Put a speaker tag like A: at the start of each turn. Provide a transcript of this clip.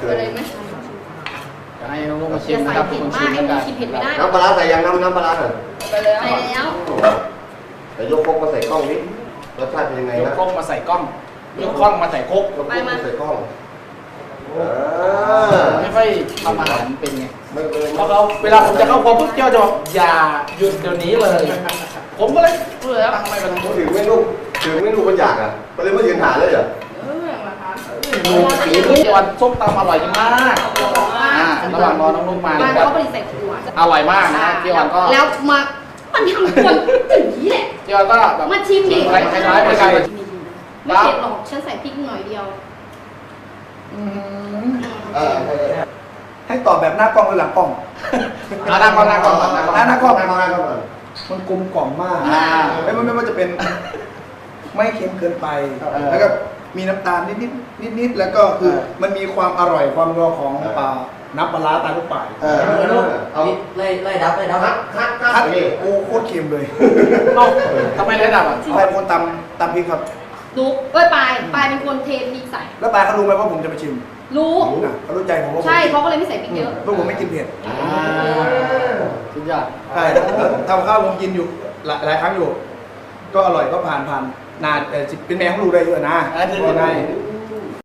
A: เลยไหม
B: จะให้น้องๆมาชิมนะครับคุณชิมกัน
A: เผ็ดไม่ได้
C: น้ำปลาใส่ยังน้ำปลาหน่อย
A: ไปแล้วใส่แล้ว
C: แต่ยกครกมาใส่กล้องนิดรสชาติเป็นยังไง
B: ยก
C: นะ
B: ครกมาใส่กล้องยกครกมาใส่ครก
C: ยกครกมาใส่กล้อง
B: ไม่ค่อยทำอาหารเป็นไง
C: ไม่เลย
B: เพราะเราเวลาผมจะเข้าครัวปุ๊บเจ้าจะบอกอย่าหยุดเดี๋ยวนี้เลย ผมก็เลยตั้งไม่เป็นไร
C: ถึงไม่ลูกมันอยากอ่ะก็เลยมายืนหาเลยเหรอ
B: ดูสีทุกวันส้มตำอร่อยมากระหว่างรอน้องลูกมา
A: บ้าน
B: เนี่ย
A: เขาผลิตใส่ขวด
B: อร่อยมากนะเจียวก็
A: แล้วมามันทำคนถึงนี้แหละ
B: เจียวก็แบบ
A: มาชิมดิ
B: คล้ายๆเหมือนกัน
A: ไม่เผ็ดหรอกฉันใส่พริกหน่อยเดียว
D: ให้ตอบแบบหน้ากล้องหรือหลังกล้อง
B: หน้ากล้อง
D: หน้ากล้อง
C: ก่อน
D: มันกลมกล่อมมากไม่ว่าจะเป็นไม่เค็มเกินไป แล้วก็มีน้ำตาลนิดแล้วก็คือมันมีความอร่อยความนัวของน้ำปลาร้าตาลูกป่าย
C: เอาไล่ดับคัด
D: โอ้โคตรเค็มเลย
B: ทำไมเลยดับอ่ะ
D: ใครเป็นคนตำพริกครับ
A: รู้ปลายเป็นคนเทพริกใส่
D: แล้วปลายเขารู้ไหมว่าผมจะไปชิม
A: รู้
D: เขารู้ใจผมว่า
A: ใช่เขาก็เลยไม่ใส่พริกเยอะ
D: เพราะผมไม่กินเผ็ด
B: สุดยอด
D: ใช่ทำข้าวผมกินอยู่หลายครั้งอยู่ ก็อร่อยก็ผ่านนานแต่เป็นแมวเขารู้ได้เยอะนะได้